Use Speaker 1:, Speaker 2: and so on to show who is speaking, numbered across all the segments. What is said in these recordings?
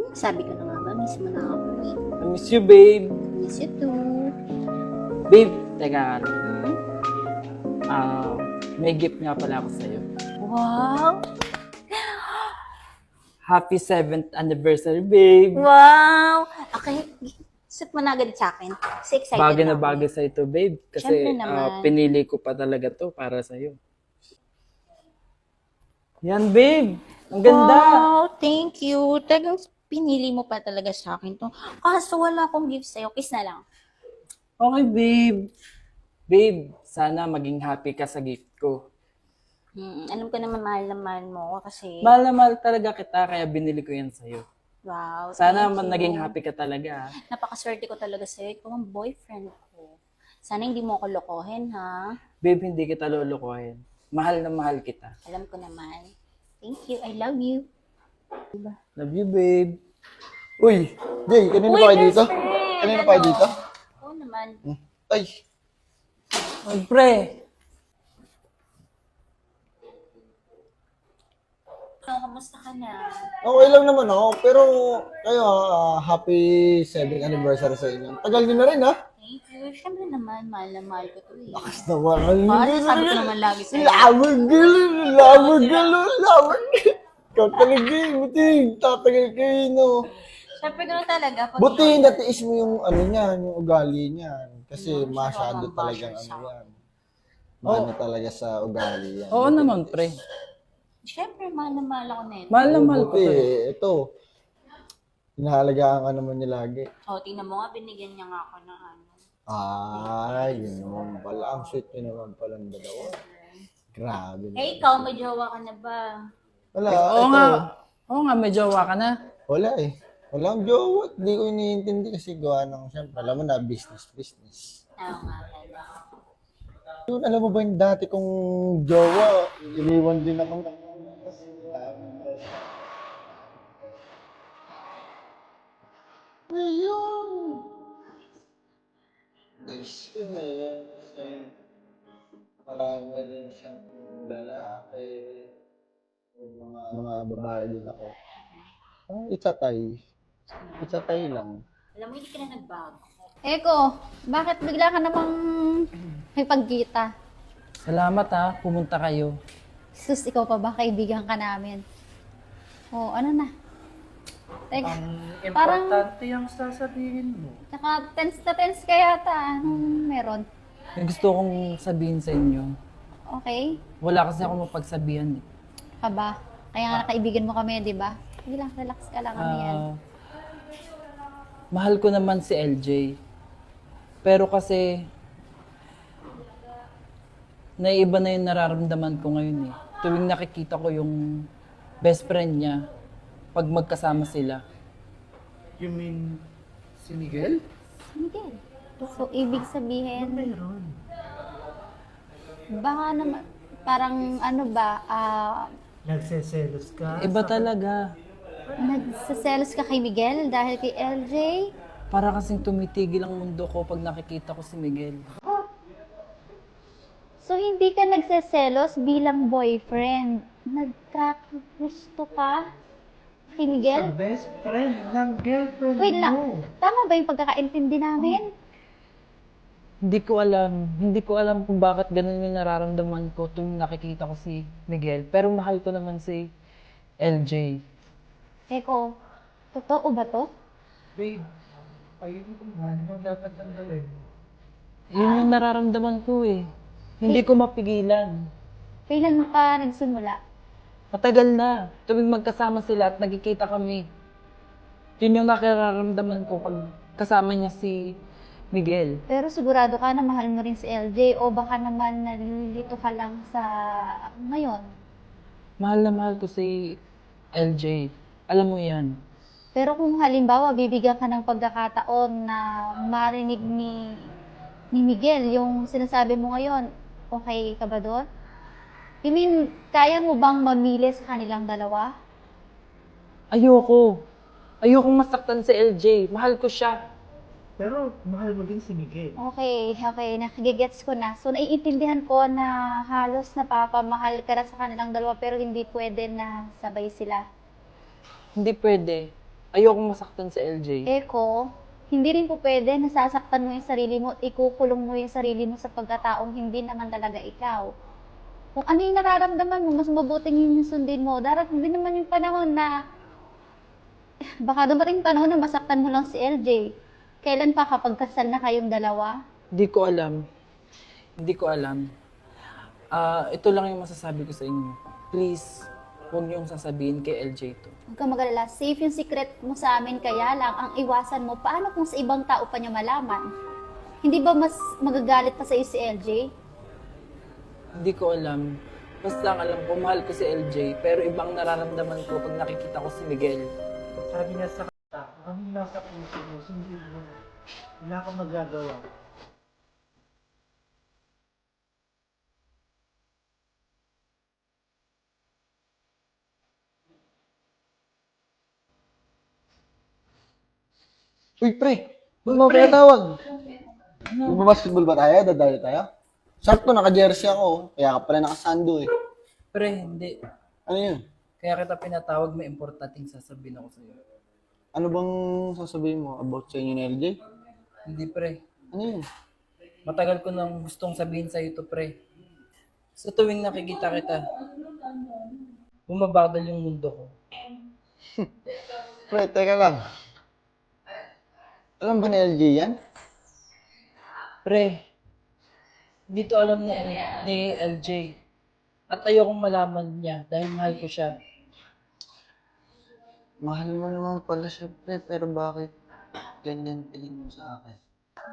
Speaker 1: Sabi ko na nga ba, miss mo na ako eh.
Speaker 2: I miss you, babe.
Speaker 1: Miss you too.
Speaker 2: Babe, teka nga.
Speaker 1: Hmm?
Speaker 2: May gift nga pala ako sa'yo.
Speaker 1: Wow!
Speaker 2: Happy 7th anniversary, babe.
Speaker 1: Wow! Okay, set mo na agad sa akin. Kasi excited
Speaker 2: Bagay na
Speaker 1: ako
Speaker 2: bagay
Speaker 1: eh.
Speaker 2: sa'yo to, babe. Kasi
Speaker 1: Siyempre naman.
Speaker 2: pinili ko pa talaga to para sa'yo. Yan, babe. Ang ganda.
Speaker 1: Wow, thank you. Talagang pinili mo pa talaga sa akin to. Kaso wala akong gift sa'yo. Kiss na lang.
Speaker 2: Okay, babe. Babe, sana maging happy ka sa gift ko.
Speaker 1: Alam ko naman mahal na mahal mo ako kasi
Speaker 2: Mahal na mahal talaga kita, kaya binili ko yan sa'yo.
Speaker 1: wow,
Speaker 2: Sana
Speaker 1: thank you.
Speaker 2: naging happy ka talaga.
Speaker 1: Napakaswerte ko talaga sa'yo. Ikaw ang boyfriend ko. Sana hindi mo ako lokohin, ha?
Speaker 2: Babe, hindi kita lulukohin. Mahal na mahal kita.
Speaker 1: Alam ko naman. Thank you. I love you.
Speaker 2: Love you, babe.
Speaker 3: Uy, Jay, kanina
Speaker 1: Uy,
Speaker 3: pa kayo
Speaker 1: best
Speaker 3: dito?
Speaker 1: friend!
Speaker 3: Kanina pa kayo dito?
Speaker 1: Oo naman.
Speaker 3: Ay,
Speaker 2: Ay, pre.
Speaker 1: Kamusta ka na?
Speaker 3: okay lang naman ako. Pero kayo, happy 7th anniversary sa inyo. Tagal nyo na rin, ha?
Speaker 1: Thank you. Siyempre naman, mahal na mahal ko to eh.
Speaker 3: Lakas naman.
Speaker 1: Sabi ko naman lagi sa'yo.
Speaker 3: Lawag. Ikaw talaga eh, buti. Tatagal kayo, no?
Speaker 1: Siyempre ko na talaga. Pag
Speaker 3: Buti natiis mo yung ano niyan, yung ugali niyan. Kasi
Speaker 1: Ano,
Speaker 3: masyado
Speaker 1: siya
Speaker 3: talagang
Speaker 1: ang
Speaker 3: ano yan. Mano talaga sa ugali yan.
Speaker 2: Oo naman, pre.
Speaker 1: Siyempre, mahal na mahal ako nito.
Speaker 2: Mahal na mahal ko
Speaker 3: Buti,
Speaker 2: to. eh.
Speaker 3: ito. Hinahalagaan ka naman niya lagi.
Speaker 1: O, tingnan mo nga, binigyan niya nga ako ng ano.
Speaker 3: Ay, yun naman pala. Ang sweet nyo naman pala ng dalawa. Grabe.
Speaker 1: Eh, ikaw, may jowa ka na ba?
Speaker 3: Wala,
Speaker 2: Oo
Speaker 3: ito.
Speaker 2: nga. Oo nga, may jowa ka na.
Speaker 3: Wala eh. Walang jowa. Hindi ko iniintindi kasi gawa ng, siyempre, alam mo na, business.
Speaker 1: Oo nga pala.
Speaker 3: Yun, alam mo ba yung dati kong jowa, iniwan din ako. Ayun! Guys, yun na yan. Parang rin siyang lalaki. Mga babae din ako. It's a tie lang.
Speaker 1: Alam mo, hindi ka na nagbago.
Speaker 4: Eko, bakit bigla ka namang may pagkita?
Speaker 2: Salamat ha, pumunta kayo.
Speaker 4: Sus, ikaw pa ba? Kaibigan ka namin. Oh, ano na? Teka, parang,
Speaker 2: yung sasabihin mo.
Speaker 4: tsaka tense na tense ka yata. Anong meron?
Speaker 2: May gusto kong sabihin sa inyo.
Speaker 4: Okay?
Speaker 2: Wala kasi ako mapagsabihan eh.
Speaker 4: Aba, kaya nga kaibigan mo kami, di ba? Sige lang, relax ka lang kami yan.
Speaker 2: Mahal ko naman si LJ. Pero kasi, naiba na yung nararamdaman ko ngayon eh. Tuwing nakikita ko yung best friend niya, pag magkasama sila.
Speaker 5: You mean si Miguel?
Speaker 4: Miguel. So, ibig sabihin, baka naman, parang ano ba,
Speaker 5: Nagseselos ka?
Speaker 2: Iba talaga.
Speaker 4: nagsaselos ka kay Miguel dahil kay LJ?
Speaker 2: Para kasing tumitigil ang mundo ko pag nakikita ko si Miguel.
Speaker 4: So, hindi ka nagseselos bilang boyfriend. Nagkakagusto ka kay Miguel?
Speaker 5: Best friend ng girlfriend
Speaker 4: Wait lang,
Speaker 5: mo.
Speaker 4: tama ba yung pagkakaintindi namin?
Speaker 2: Hindi ko alam kung bakit ganun yung nararamdaman ko tuwing nakikita ko si Miguel. Pero mahal ko naman si LJ.
Speaker 4: Eko, totoo ba to?
Speaker 5: Babe, ayun ko man. Ano dapat ang gawin?
Speaker 2: Yun yung nararamdaman ko eh. Hindi ko mapigilan.
Speaker 4: Kailan ka nagsimula?
Speaker 2: Matagal na. Tuwing magkasama sila at nagkikita kami. Yun yung nakararamdaman ko pag kasama niya si Miguel.
Speaker 4: Pero sigurado ka na mahal mo rin si LJ o baka naman nalilito ka lang sa ngayon.
Speaker 2: Mahal na mahal ko si LJ. Alam mo yan.
Speaker 4: Pero kung halimbawa bibigyan ka ng pagkakataon na marinig ni Miguel yung sinasabi mo ngayon, okay ka ba doon? I mean, kaya mo bang mamili sa kanilang dalawa?
Speaker 2: Ayoko. Ayokong masaktan si LJ. Mahal ko siya.
Speaker 5: Pero mahal mo din si Miguel.
Speaker 4: Okay, nakagigets ko na. So, naiintindihan ko na halos napapamahal ka na sa kanilang dalawa pero hindi pwede na sabay sila.
Speaker 2: Hindi pwede. Ayokong masaktan si LJ.
Speaker 4: Eko, hindi rin po pwede nasasaktan mo yung sarili mo at ikukulong mo yung sarili mo sa pagkataong hindi naman talaga ikaw. Kung ano yung nararamdaman mo, mas mabuting yung sundin mo. Darating din naman yung panahon na baka dumating panahon na masaktan mo lang si LJ. Kailan pa kapag kasal na kayong dalawa?
Speaker 2: Hindi ko alam. Hindi ko alam. Ito lang yung masasabi ko sa inyo. Please, huwag niyong sasabihin kay LJ to.
Speaker 4: Huwag kang mag-alala, safe yung secret mo sa amin, kaya lang ang iwasan mo, paano kung sa ibang tao pa niya malaman? Hindi ba mas magagalit pa sa iyo si LJ?
Speaker 2: Hindi ko alam. Basta ang alam ko, mahal ko si LJ, pero ibang nararamdaman ko pag nakikita ko si Miguel.
Speaker 5: Sabi niya sa kata, kami nasa puso mo, sundin mo. Wala kang magagawa.
Speaker 3: Uy, pre! Ba't mo pinatawag? Magbabasketball ba tayo? Dadali tayo? Sakto, naka-jersey ako. Kaya ka pala nakasando eh.
Speaker 2: Pre, hindi.
Speaker 3: Ano yun?
Speaker 2: Kaya kita pinatawag, may importanteng sasabihin ako sa'yo.
Speaker 3: Ano bang sasabihin mo about sa inyo ni LJ?
Speaker 2: Hindi, pre.
Speaker 3: Ano yun?
Speaker 2: Matagal ko nang gustong sabihin sa'yo to, pre. Sa tuwing nakikita kita, bumabagal yung mundo ko.
Speaker 3: Pre, teka lang. Alam ba ni LJ yan?
Speaker 2: Pre, hindi to alam ni LJ. At ayokong malaman niya dahil mahal ko siya.
Speaker 3: Mahal mo naman pala siya, pre. Pero bakit ganyan tingin mo sa akin?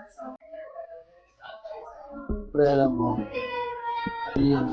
Speaker 3: Pre, alam mo. Yan.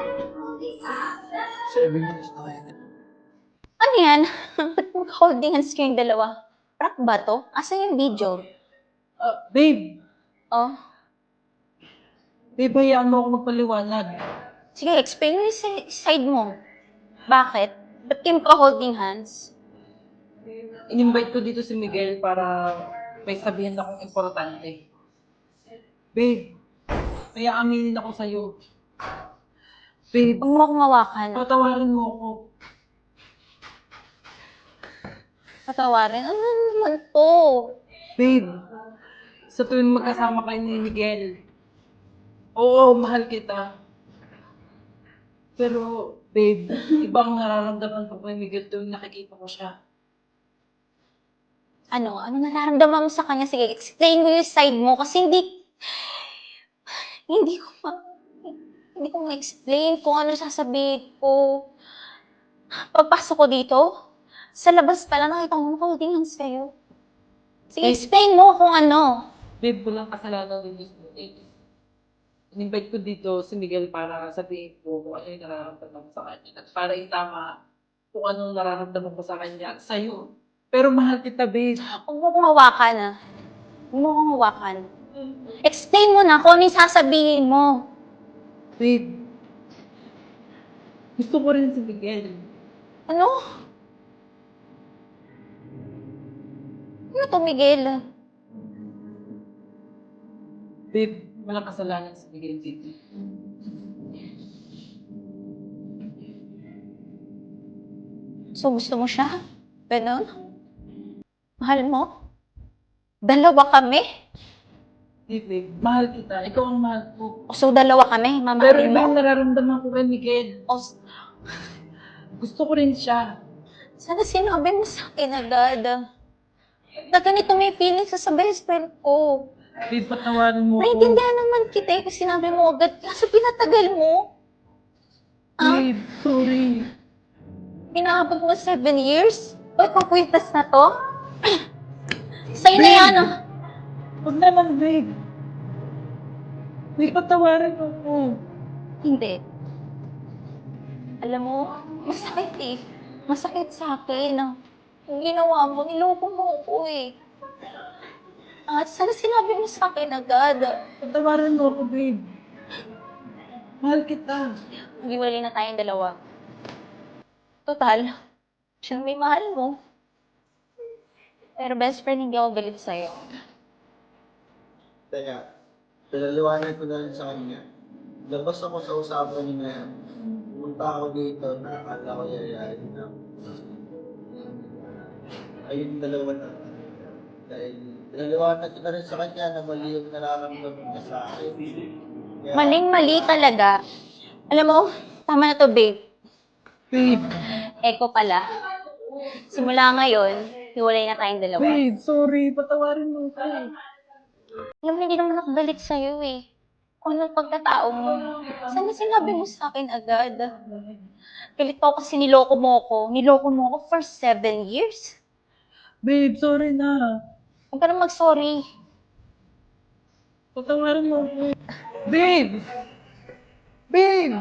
Speaker 3: Sabi mo gusto ko yun.
Speaker 1: Ano yan? Ba't mag-holding hands kayong dalawa? Prank ba to? Asan yung video?
Speaker 2: Babe!
Speaker 1: Oh,
Speaker 2: Babe, hayaan mo ako magpaliwanag.
Speaker 1: sige, explain mo yung side mo. Bakit? Ba't kayo magka-holding hands?
Speaker 2: In-invite ko dito si Miguel para may sabihin akong importante. Babe, may aaminin ako sa'yo. Babe,
Speaker 1: Huwag mo akong mawakan.
Speaker 2: patawarin mo ako.
Speaker 1: Patawarin. Ano naman to?
Speaker 2: Babe, sa tuwing magkasama kayo ni Miguel, oo, mahal kita. Pero, babe, ibang nararamdaman ko kay Miguel tuwing nakikita ko siya.
Speaker 1: Ano? Ano nararamdaman mo sa kanya? Sige, explain mo yung side mo kasi hindi ko hindi ko ma-explain kung ano sasabihin ko. Pagpasok ko dito, sa labas pala nakita ko holding hands kayo. Sige, explain mo kung ano.
Speaker 2: Babe, walang kasalanan din dito. In-invite ko dito si Miguel para sabihin ko kung ano yung nararamdaman ko sa kanya. At para itama kung ano nararamdaman ko sa kanya at sa'yo. Pero mahal kita, babe.
Speaker 1: Huwag mo akong hawakan, ah. Huwag mo akong hawakan. Explain mo na kung ano yung sasabihin mo.
Speaker 2: Babe, gusto ko rin si Miguel.
Speaker 1: Ano? Ano to, Miguel?
Speaker 2: Babe, walang kasalanan si Miguel dito.
Speaker 1: So, gusto mo siya? Ganon? Mahal mo? Dalawa kami?
Speaker 2: Hindi, babe. Mahal kita. Ikaw ang mahal ko.
Speaker 1: So, dalawa kami?
Speaker 2: Pero
Speaker 1: Mamahalin
Speaker 2: iba
Speaker 1: mo?
Speaker 2: yung nararamdaman ko kay Miguel.
Speaker 1: O,
Speaker 2: Gusto ko rin siya.
Speaker 1: sana sinabi mo sa akin agad. Na ganito may feelings sa best friend ko.
Speaker 2: Babe, patawarin mo ako.
Speaker 1: Naiintindihan naman kita eh kung sinabi mo agad. Kaso pinatagal mo.
Speaker 2: Babe, sorry.
Speaker 1: Pinahabag mo 7 years? O, itong kwintas na to? Sa'yo na
Speaker 2: Babe!
Speaker 1: yan, ah.
Speaker 2: Huwag naman, babe. Babe, patawarin mo ako.
Speaker 1: Hindi. Alam mo, masakit eh. Masakit sa akin. Ang ginawa mo, niloko mo ako eh. At sana sinabi mo sa akin agad.
Speaker 2: Patawarin mo ako, babe. Mahal kita.
Speaker 1: Mag-iwalay na tayong dalawa. Total, siya may mahal mo. Pero best friend, hindi ako galit sa'yo.
Speaker 3: Teka, pinaliwanag ko na rin sa kanya. Labas ako sa usapan niya na yan. Pumunta ako dito na akala ko yayayain na. kayong dalawa na. Dahil naliwanag ko na rin sa kanya na mali yung nararamdaman niya sa akin. Kaya,
Speaker 1: Maling-mali talaga. Alam mo, tama na to, babe.
Speaker 2: Babe,
Speaker 1: Eko pala. Simula ngayon, hiwalay na tayong dalawa.
Speaker 2: babe, sorry. Patawarin mo ko.
Speaker 1: Alam mo, hindi naman nakagalit sa'yo eh. Kung anong pagkatao mo. Sana sinabi mo sa akin agad. Galit pa ako kasi niloko mo ko. Niloko mo ko for 7 years.
Speaker 2: Babe, sorry na.
Speaker 1: Huwag ka na mag-sorry.
Speaker 2: Patawarin mo ko. Babe! Babe!